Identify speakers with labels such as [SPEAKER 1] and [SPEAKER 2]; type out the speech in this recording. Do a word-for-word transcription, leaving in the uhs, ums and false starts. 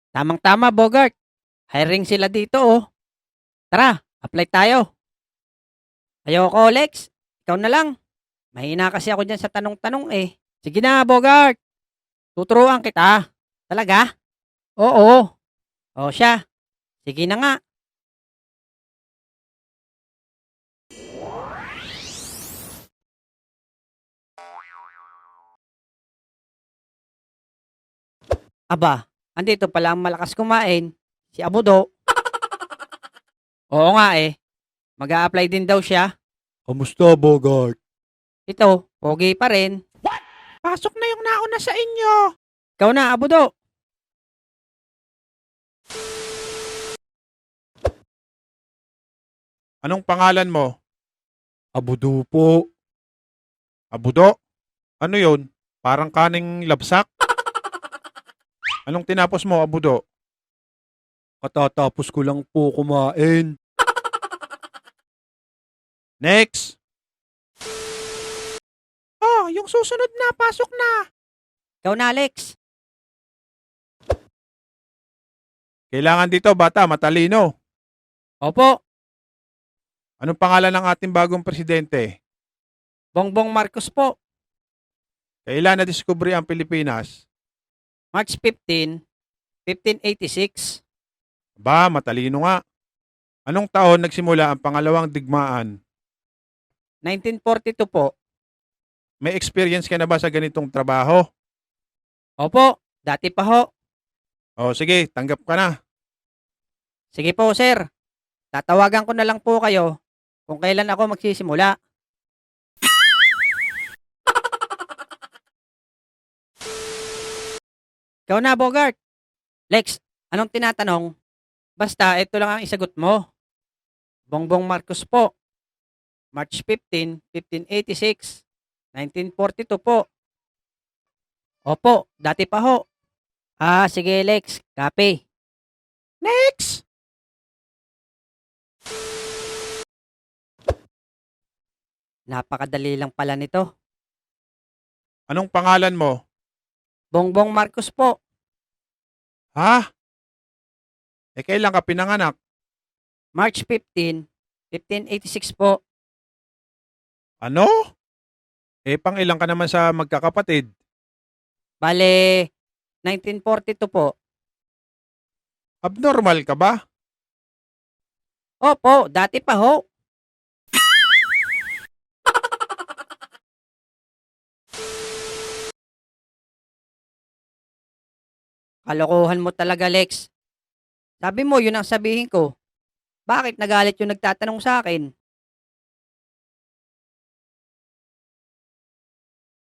[SPEAKER 1] Tamang-tama, Bogart. Hiring sila dito, oh. Tara, apply tayo. Ayoko, Lex. Ikaw na lang. Mahina kasi ako dyan sa tanong-tanong eh. Sige na, Bogart. Tuturuan kita. Talaga? Oo. O siya. Sige na nga. Aba, andito pala ang malakas kumain. Si Abudo. Oo nga eh. Mag-a-apply din daw siya.
[SPEAKER 2] Kamusta, Bogart?
[SPEAKER 1] Ito, pogi pa rin.
[SPEAKER 2] Pasok na yung nauna sa inyo.
[SPEAKER 1] Ikaw na, Abudo.
[SPEAKER 2] Anong pangalan mo? Abudo po. Abudo? Ano yon? Parang kaning labsak? Anong tinapos mo, Abudo? Katatapos ko lang po kumain. Next! Oh, yung susunod na, pasok na.
[SPEAKER 1] Ikaw na, Alex.
[SPEAKER 2] Kailangan dito, bata, matalino.
[SPEAKER 1] Opo,
[SPEAKER 2] Anong pangalan ng ating bagong presidente?
[SPEAKER 1] Bongbong Marcos po.
[SPEAKER 2] Kailan na-discovery ang Pilipinas?
[SPEAKER 1] March fifteenth, fifteen eighty-six.
[SPEAKER 2] Ba, matalino nga. Anong taon nagsimula ang pangalawang digmaan?
[SPEAKER 1] nineteen forty-two po.
[SPEAKER 2] May experience ka na ba sa ganitong trabaho?
[SPEAKER 1] Opo, dati pa ho.
[SPEAKER 2] O sige, tanggap ka na.
[SPEAKER 1] Sige po, sir. Tatawagan ko na lang po kayo kung kailan ako magsisimula. Ikaw na, Bogart. Lex, anong tinatanong? Basta, ito lang ang isagot mo. Bongbong Marcos po. March fifteenth, fifteen eighty-six. nineteen forty-two po. Opo, dati pa ho. Ah, sige, Lex. Copy.
[SPEAKER 2] Next!
[SPEAKER 1] Napakadali lang pala nito.
[SPEAKER 2] Anong pangalan mo?
[SPEAKER 1] Bongbong Marcos po.
[SPEAKER 2] Ha? Eh kailan ka pinanganak?
[SPEAKER 1] March fifteenth, fifteen eighty-six po.
[SPEAKER 2] Ano? Eh pang ilang ka naman sa magkakapatid?
[SPEAKER 1] Bale, nineteen forty-two po.
[SPEAKER 2] Abnormal ka ba?
[SPEAKER 1] Opo, dati pa ho. Kalokohan mo talaga, Lex. Sabi mo, yun ang sabihin ko. Bakit nagalit yung nagtatanong sa akin?